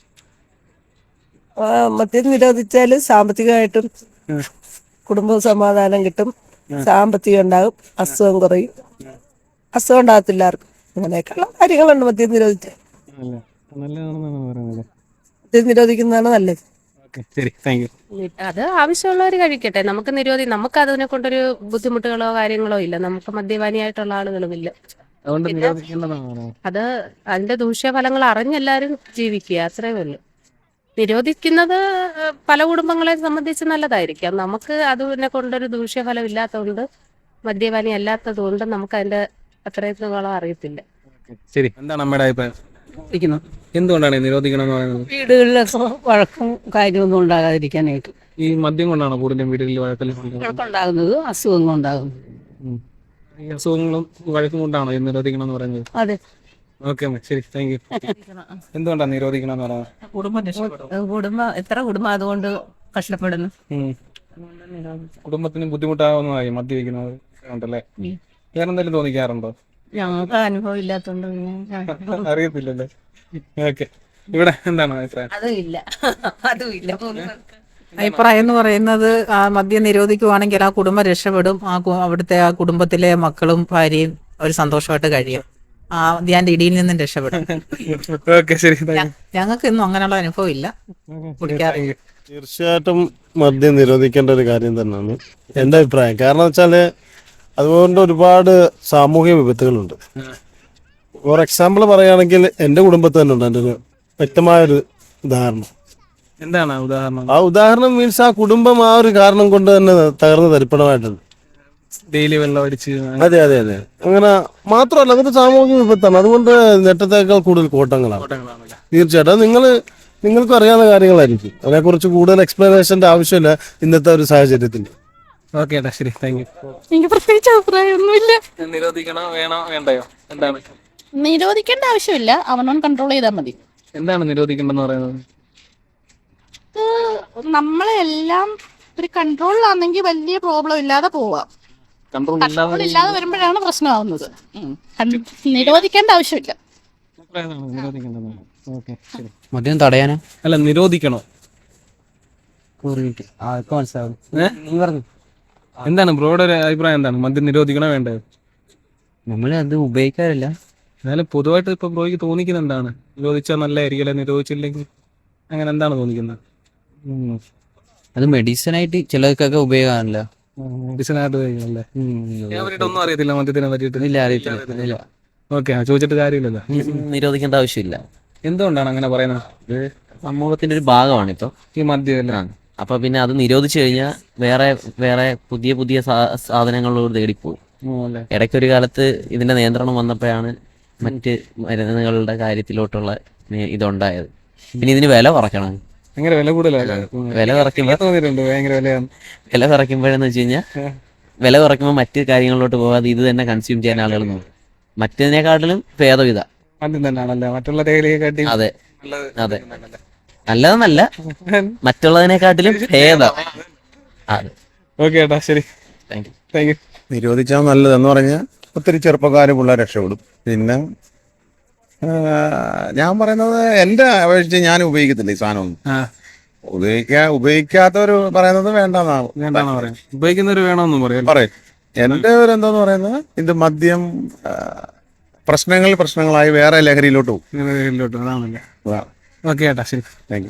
Speaker 6: മദ്യം നിരോധിച്ചാൽ സാമ്പത്തികമായിട്ടും കുടുംബ സമാധാനം കിട്ടും, സാമ്പത്തികം ഉണ്ടാകും, അസുഖം കുറയും, അസുഖം ഉണ്ടാകത്തില്ല ആർക്കും. അങ്ങനെയൊക്കെയുള്ള കാര്യങ്ങളുണ്ട് മദ്യം നിരോധിച്ചാൽ.
Speaker 1: നല്ലതാണെന്നാണ് പറയുന്നത്.
Speaker 6: മദ്യം നിരോധിക്കുന്നതാണ് നല്ലത്.
Speaker 1: ഓക്കെ ശരി താങ്ക് യു.
Speaker 11: അത് ആവശ്യമുള്ളവർ കഴിക്കട്ടെ. നമുക്ക് നിരോധി നമുക്ക് അതിനെ കൊണ്ടൊരു ബുദ്ധിമുട്ടുകളോ കാര്യങ്ങളോ ഇല്ല. നമുക്ക് മദ്യപാനിയായിട്ടുള്ള ആളുകളുമില്ല.
Speaker 1: അതുകൊണ്ട് നിരോധിക്കേണ്ടതാണ്.
Speaker 11: അത് അതിന്റെ ദൂഷ്യഫലങ്ങൾ അറിഞ്ഞെല്ലാവരും ജീവിക്കുക, അത്രേ ഉള്ളൂ. നിരോധിക്കുന്നത് ഏഹ്, പല കുടുംബങ്ങളെ സംബന്ധിച്ച് നല്ലതായിരിക്കാം. നമുക്ക് അതിനെ കൊണ്ടൊരു ദൂഷ്യഫലം ഇല്ലാത്തതുകൊണ്ട്, മദ്യപാനി അല്ലാത്തത് കൊണ്ട് നമുക്ക് അതിന്റെ അത്രത്തോളം അറിയത്തില്ല.
Speaker 1: ശരി. എന്താണ് അമ്മയുടെ അഭിപ്രായം? എന്തുകൊണ്ടാണ് നിരോധിക്കണം എന്ന് പറയുന്നത്?
Speaker 9: വീടുകളിലൊക്കെ വഴക്കും കാര്യമൊന്നും ഉണ്ടാകാതിരിക്കാനായിട്ട്.
Speaker 1: ഈ മദ്യം കൊണ്ടാണോ കൂടുതലും വീടുകളിൽ വഴക്കലും?
Speaker 9: ഉണ്ടാകുന്നത് അസുഖങ്ങൾ ഉണ്ടാകുന്നത്.
Speaker 1: ഈ അസുഖങ്ങളും വഴക്കും കൊണ്ടാണോ ഇത് നിരോധിക്കണം എന്ന് പറയുന്നത്?
Speaker 8: അതെ.
Speaker 1: ഓക്കെ ശരി, താങ്ക് യു. എന്തുകൊണ്ടാണ് നിരോധിക്കണം എന്ന് പറയുന്നത്?
Speaker 9: കുടുംബം കുടുംബം എത്ര കുടുംബം അതുകൊണ്ട് കഷ്ടപ്പെടുന്നു.
Speaker 1: ഉം. കുടുംബത്തിന് ബുദ്ധിമുട്ടാവുന്നതായി മദ്യപിക്കുന്നത് ഉണ്ടല്ലേ? വേറെ എന്തെങ്കിലും തോന്നിക്കാറുണ്ടോ?
Speaker 9: ഞങ്ങൾക്ക് അനുഭവം ഇല്ലാത്തോണ്ട്
Speaker 1: അറിയത്തില്ലല്ലേ? ഓക്കെ, ഇവിടെ എന്താണ് അഭിപ്രായം?
Speaker 9: അതും ഇല്ല അതും ഇല്ല.
Speaker 14: അഭിപ്രായം എന്ന് പറയുന്നത് ആ മദ്യം നിരോധിക്കുവാണെങ്കിൽ ആ കുടുംബം രക്ഷപ്പെടും. ആ കു- അവിടുത്തെ ആ കുടുംബത്തിലെ മക്കളും ഭാര്യയും ഒരു സന്തോഷമായിട്ട് കഴിയും. ആ ധ്യാന്റെ ഇടിയിൽ നിന്നും രക്ഷപ്പെടും.
Speaker 1: ഓക്കെ ശരി, താങ്ക് യു.
Speaker 14: ഞങ്ങൾക്ക് ഇന്നും അങ്ങനെയുള്ള അനുഭവം ഇല്ല, കുടിക്കാറില്ല.
Speaker 3: തീർച്ചയായിട്ടും മദ്യം നിരോധിക്കേണ്ട ഒരു കാര്യം തന്നെയാണ് എൻ്റെ അഭിപ്രായം. കാരണം വെച്ചാല് അതുകൊണ്ട് ഒരുപാട് സാമൂഹിക വിപത്തുകളുണ്ട്. ഫോർ എക്സാമ്പിൾ പറയുകയാണെങ്കിൽ എൻ്റെ കുടുംബത്തിൽ തന്നെ ഉണ്ട് എൻ്റെ ഒരു വ്യക്തമായൊരു ഉദാഹരണം.
Speaker 1: എന്താണ് ആ ഉദാഹരണം?
Speaker 3: ആ ഉദാഹരണം മീൻസ് ആ കുടുംബം ആ ഒരു കാരണം കൊണ്ട് തന്നെ തകർന്ന് തരിപ്പണമായിട്ടുണ്ട്.
Speaker 1: ഡെയിലി വെള്ളം അടിച്ച്
Speaker 3: അതെ അതെ അതെ അങ്ങനെ മാത്രമല്ല, അതൊരു സാമൂഹിക വിപത്താണ്. അതുകൊണ്ട് നേട്ടത്തേക്കാൾ കൂടുതൽ കോട്ടങ്ങളാണ്.
Speaker 1: കോട്ടങ്ങളാണല്ലേ?
Speaker 3: തീർച്ചയായിട്ടും അത് നിങ്ങൾ നിങ്ങൾക്കും അറിയാവുന്ന കാര്യങ്ങളായിരിക്കും. അതിനെക്കുറിച്ച് കൂടുതൽ എക്സ്പ്ലനേഷന്റെ ആവശ്യമില്ല ഇന്നത്തെ ഒരു സാഹചര്യത്തിൽ.
Speaker 1: ഓക്കെ ഏട്ടാ, ശരി, താങ്ക് യു.
Speaker 8: എനിക്ക് പ്രത്യേകിച്ച് അഭിപ്രായമൊന്നുമില്ല.
Speaker 1: നിരോധിക്കണോ വേണോ വേണ്ടയോ? എന്താണ്
Speaker 8: നിരോധിക്കേണ്ട ആവശ്യമില്ല, അവനവൻ കൺട്രോൾ ചെയ്താൽ മതി.
Speaker 1: എന്താണ് നിരോധിക്കേണ്ടെന്ന് പറയുന്നത്?
Speaker 8: നമ്മളെല്ലാം ഒരു കൺട്രോളിലാണെങ്കിൽ വലിയ പ്രോബ്ലം ഇല്ലാതെ പോവാം.
Speaker 1: കൺട്രോൾ
Speaker 8: കൺട്രോൾ ഇല്ലാതെ വരുമ്പോഴാണ് പ്രശ്നമാവുന്നത്. ഉം. കൺ- നിരോധിക്കേണ്ട ആവശ്യമില്ല.
Speaker 1: നിരോധിക്കേണ്ടെന്ന്. ഓക്കെ ശരി.
Speaker 2: മദ്യം തടയാനോ?
Speaker 1: അല്ല, നിരോധിക്കണോ?
Speaker 2: മനസ്സിലാവും.
Speaker 1: ഏ? എന്താണ് ബ്രോയുടെ ഒരു അഭിപ്രായം? എന്താണ് മദ്യം നിരോധിക്കണോ വേണ്ടയോ?
Speaker 2: നമ്മൾ അത് ഉപയോഗിക്കാറില്ല.
Speaker 1: എന്നാലും പൊതുവായിട്ട് ഇപ്പൊ ബ്രോയ്ക്ക് തോന്നിക്കുന്ന എന്താണ്? നിരോധിച്ചാൽ നല്ലതായിരിക്കും അല്ലെ നിരോധിച്ചില്ലെങ്കിൽ അങ്ങനെ എന്താണ് തോന്നിക്കുന്നത്?
Speaker 2: അത് മെഡിസിൻ ആയിട്ട് ചിലർക്കൊക്കെ ഉപയോഗമാണല്ലോ.
Speaker 1: മെഡിസിനായിട്ട് കഴിക്കണല്ലേ? ഞാൻ പറ്റിയിട്ട് ഒന്നും അറിയത്തില്ല മദ്യത്തിനെ പറ്റിയിട്ട്.
Speaker 2: ഇല്ല, അറിയത്തില്ല. ഇല്ല.
Speaker 1: ഓക്കെ, ചോദിച്ചിട്ട് കാര്യമില്ലല്ലോ.
Speaker 2: നിരോധിക്കേണ്ട ആവശ്യമില്ല.
Speaker 1: എന്തുകൊണ്ടാണ് അങ്ങനെ പറയുന്നത്?
Speaker 2: ഇത് സമൂഹത്തിന്റെ ഒരു ഭാഗമാണ് ഇപ്പൊ
Speaker 1: ഈ മദ്യം അല്ലേ?
Speaker 2: അപ്പൊ പിന്നെ അത് നിരോധിച്ചു കഴിഞ്ഞാൽ വേറെ വേറെ പുതിയ പുതിയ സാ- സാധനങ്ങളോട് തേടിപ്പോകും.
Speaker 1: അല്ലേ?
Speaker 2: ഇടയ്ക്കൊരു കാലത്ത് ഇതിന്റെ നിയന്ത്രണം വന്നപ്പോഴാണ് മറ്റ് മരുന്നുകളുടെ കാര്യത്തിലോട്ടുള്ള നി- ഇതുണ്ടായത്. പിന്നെ ഇതിന് വില കുറയ്ക്കണം.
Speaker 1: ഭയങ്കര വില കൂടുതലല്ലേ?
Speaker 2: വില കുറയ്ക്കുമ്പോൾ
Speaker 1: തോന്നിയിട്ടുണ്ട് ഭയങ്കര വിലയാണ്.
Speaker 2: വില കുറയ്ക്കുമ്പോഴെന്ന് വെച്ച് കഴിഞ്ഞാൽ വില കുറയ്ക്കുമ്പോൾ മറ്റ് കാര്യങ്ങളിലോട്ട് പോകാതെ ഇത് തന്നെ കൺസ്യൂം ചെയ്യാൻ ആളുകൾ നോക്കും. മറ്റതിനെക്കാട്ടിലും ഭേദം ഇതാ.
Speaker 1: മദ്യം തന്നെയാണല്ലേ മറ്റുള്ള തേയിലയെ കാട്ടി?
Speaker 2: അതെ അതെ, നല്ലതെന്നല്ല, മറ്റുള്ളതിനെക്കാട്ടിലും ഭേദം. അതെ.
Speaker 1: ഓക്കെ ഏട്ടാ, ശരി,
Speaker 2: താങ്ക് യു.
Speaker 1: Thank you.
Speaker 10: നിരോധിച്ചാൽ നല്ലതെന്ന് പറഞ്ഞാൽ ഒത്തിരി ചെറുപ്പക്കാർ പിള്ളേർ രക്ഷപ്പെടും. പിന്നെ ആ, ഞാൻ പറയുന്നത് എൻ്റെ അപേക്ഷിച്ച് ഞാൻ ഉപയോഗിക്കത്തില്ല ഈ സാധനമൊന്നും.
Speaker 1: ആ,
Speaker 10: ഉപയോഗിക്കാ ഉപയോഗിക്കാത്തവർ പറയുന്നത് വേണ്ടെന്നാണ്
Speaker 1: വേണ്ടാന്ന് പറയാം. ഉപയോഗിക്കുന്നവര് വേണമെന്നും പറയാം.
Speaker 10: പറയും. എൻ്റെ ഒരു എന്താന്ന് പറയുന്നത് ഇത് മദ്യം ആ, പ്രശ്നങ്ങൾ പ്രശ്നങ്ങളായി വേറെ ലഹരിയിലോട്ട് പോകും.
Speaker 1: ഇതിലോട്ട് അതാണല്ലേ?
Speaker 10: അതാണ്.
Speaker 1: ഓക്കെ ഏട്ടാ, ശരി.
Speaker 10: Thank you.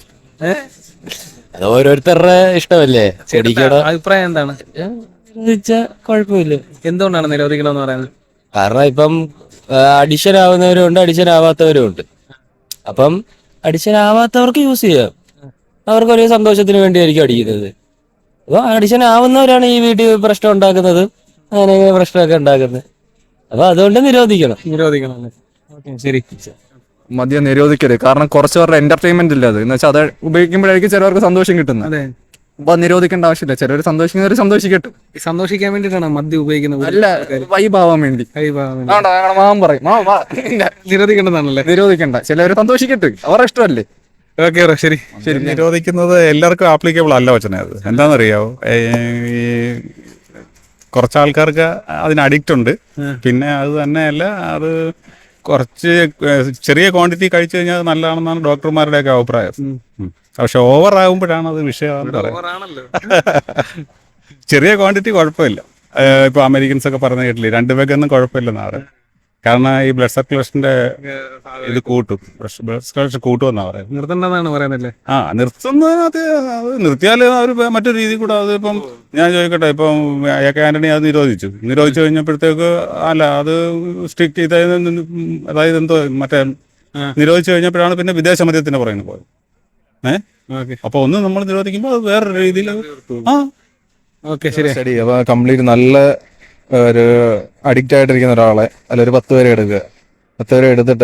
Speaker 2: അത് ഓരോരുത്തരുടെ ഇഷ്ടമല്ലേ.
Speaker 1: അഭിപ്രായം എന്താണ്?
Speaker 2: കുഴപ്പമില്ല.
Speaker 1: എന്തുകൊണ്ടാണ് നിരോധിക്കണമെന്ന് പറയുന്നത്?
Speaker 2: കാരണം ഇപ്പം അഡിഷൻ ആവുന്നവരും ഉണ്ട്, അഡിഷൻ ആവാത്തവരും ഉണ്ട്. അപ്പം അഡിഷൻ ആവാത്തവർക്ക് യൂസ് ചെയ്യാം. അവർക്ക് ഒരു സന്തോഷത്തിന് വേണ്ടിയായിരിക്കും അടിക്കുന്നത്. അപ്പൊ അഡിഷൻ ആവുന്നവരാണ് ഈ വീട്ടിൽ പ്രശ്നം ഉണ്ടാക്കുന്നത്, അങ്ങനെ പ്രശ്നമൊക്കെ ഉണ്ടാക്കുന്നത്. അപ്പൊ അതുകൊണ്ട് നിരോധിക്കണം.
Speaker 1: നിരോധിക്കണം അല്ലേ? ഓക്കെ, ശരി.
Speaker 5: മദ്യം നിരോധിക്കരുത്. കാരണം കുറച്ച് പേരുടെ എന്റർടൈൻമെന്റ് ഇല്ല അത്. എന്ന് വെച്ചാൽ അത് ഉപയോഗിക്കുമ്പോഴായിരിക്കും ചിലവർക്ക് സന്തോഷം കിട്ടുന്നത്.
Speaker 1: അതെ,
Speaker 5: അപ്പൊ നിരോധിക്കേണ്ട ആവശ്യമില്ല. ചിലർ സന്തോഷിക്കുന്നവർ സന്തോഷിക്കട്ടെ.
Speaker 1: ഈ സന്തോഷിക്കാൻ വേണ്ടിയിട്ടാണ് മദ്യം ഉപയോഗിക്കുന്നത്.
Speaker 5: അല്ല, വൈബാവാൻ വേണ്ടി. മാമൻ പറയും മാമ വാ.
Speaker 1: നിരോധിക്കേണ്ടതാണല്ലേ?
Speaker 5: നിരോധിക്കണ്ട, ചിലവർ സന്തോഷിക്കട്ടെ, അവരുടെ ഇഷ്ടമല്ലേ.
Speaker 1: ഓക്കെ ബ്രോ, ശരി.
Speaker 5: ശരി.
Speaker 10: നിരോധിക്കുന്നത് എല്ലാവർക്കും ആപ്ലിക്കബിൾ അല്ല വച്ചനെ. അത് എന്താണെന്നറിയാവോ, ഈ കുറച്ച് ആൾക്കാർക്ക് അതിന് അഡിക്റ്റ് ഉണ്ട്. പിന്നെ അത് തന്നെയല്ല, അത് കുറച്ച് ചെറിയ ക്വാണ്ടിറ്റി കഴിച്ചു കഴിഞ്ഞാൽ അത് നല്ലതാണെന്നാണ് ഡോക്ടർമാരുടെയൊക്കെ അഭിപ്രായം. ഉം. പക്ഷെ ഓവർ ആകുമ്പോഴാണ് അത് വിഷയമാണെന്ന് പറയാം.
Speaker 1: ഓവറാണല്ലോ.
Speaker 10: ചെറിയ ക്വാണ്ടിറ്റി കുഴപ്പമില്ല. ഇപ്പോൾ അമേരിക്കൻസ് ഒക്കെ പറഞ്ഞ കേട്ടില്ലേ, രണ്ട് പേക്കൊന്നും കുഴപ്പമില്ലെന്നാണ് പറയുന്നത്. കാരണം ഈ ബ്ലഡ് സർക്കുലേഷന്റെ ഇത് കൂട്ടും, ബ്ലഡ് സർക്കുലേഷൻ കൂട്ടുമെന്നാണ് പറയുന്നത്.
Speaker 1: നിർത്തണ്ടെന്നാണ് പറയുന്നല്ലേ?
Speaker 10: ആ, നിർത്തുന്ന അത് അത് നിർത്തിയാൽ അവർ മറ്റൊരു രീതി കൂടെ അത് ഇപ്പം ഞാൻ ചോദിക്കട്ടെ, ഇപ്പം എ കെ ആന്റണി അത് നിരോധിച്ചു നിരോധിച്ചു കഴിഞ്ഞപ്പോഴത്തേക്ക് അല്ല അത് സ്ട്രിക്റ്റ് ഇതായത് അതായത് എന്തോ മറ്റേ നിരോധിച്ചു കഴിഞ്ഞപ്പോഴാണ് പിന്നെ വിദേശ മദ്യത്തിന് പറയുന്നത് പോയത്. ഏഹ് അപ്പൊ ഒന്ന് നമ്മൾ നിരോധിക്കുമ്പോൾ അത് വേറൊരു രീതിയിൽ ആ
Speaker 1: ഓക്കെ, ശരി.
Speaker 10: സ്റ്റഡി അപ്പോൾ കംപ്ലീറ്റ് നല്ല ഒരു അഡിക്റ്റ് ആയിട്ടിരിക്കുന്ന ഒരാളെ അല്ല ഒരു പത്ത് പേരെ എടുക്കുക. പത്ത് പേരെ എടുത്തിട്ട്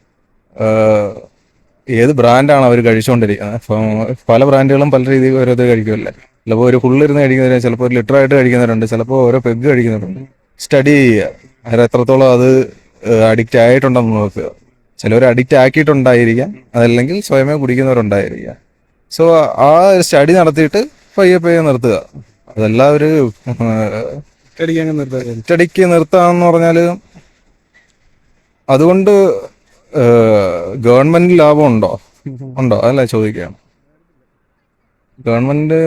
Speaker 10: ഏത് ബ്രാൻഡാണ് അവർ കഴിച്ചുകൊണ്ടിരിക്കുന്നത്. അപ്പം പല ബ്രാൻഡുകളും പല രീതിയിൽ ഓരോ ഇത് കഴിക്കുമല്ലേ. ചിലപ്പോൾ ഒരു ഫുള്ളിരുന്ന് കഴിക്കുന്നവർ, ചിലപ്പോൾ ഒരു ലിറ്ററായിട്ട് കഴിക്കുന്നവരുണ്ട്, ചിലപ്പോൾ ഓരോ പെഗ് കഴിക്കുന്നവരുണ്ട്,
Speaker 15: സ്റ്റഡി ചെയ്യുക, അവർ എത്രത്തോളം അത് അഡിക്റ്റ് ആയിട്ടുണ്ടെന്ന് നോക്കുക. ചിലവർ അഡിക്റ്റ് ആക്കിയിട്ടുണ്ടായിരിക്കാം, അതല്ലെങ്കിൽ സ്വയമേ കുടിക്കുന്നവരുണ്ടായിരിക്കാം. സോ ആ സ്റ്റഡി നടത്തിയിട്ട് പയ്യെ പയ്യെ നിർത്തുക. അതല്ല ഒരു സ്റ്റഡിക്ക് നിർത്താന്ന് പറഞ്ഞാൽ അതുകൊണ്ട് ഗവൺമെന്റ് ലാഭം ഉണ്ടോ ഉണ്ടോ അതല്ല ചോദിക്കുകയാണ്. ഗവൺമെന്റ്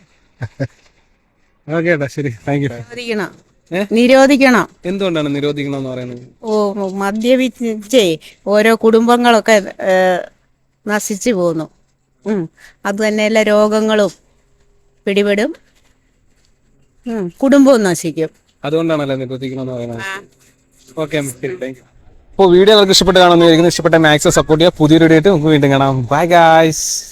Speaker 1: ഓക്കെ ശരി, താങ്ക് യു.
Speaker 16: നിരോധിക്കണം നിരോധിക്കണം
Speaker 1: എന്തുകൊണ്ടാണ് നിരോധിക്കണം എന്ന് പറയുന്നത്?
Speaker 16: ഓ മദ്യപിച്ചേ ഓരോ കുടുംബങ്ങളൊക്കെ ഏ, നശിച്ചു പോകുന്നു. ഉം. അത് തന്നെയല്ല രോഗങ്ങളും പിടിപെടും, ഉം. കുടുംബവും നശിക്കും.
Speaker 1: അതുകൊണ്ടാണല്ലേ നിരോധിക്കണം എന്ന് പറയുന്നത്. ഓക്കെ ശരി, താങ്ക് യു. അപ്പോൾ വീഡിയോ നിങ്ങൾക്ക് ഇഷ്ടപ്പെട്ട് കാണുന്നതായിരിക്കും. ഇഷ്ടപ്പെട്ട മാക്സിമം സപ്പോർട്ട് ചെയ്യുക. പുതിയൊരു വീഡിയോ ആയിട്ട് നമുക്ക് വീണ്ടും കാണാം. Bye guys.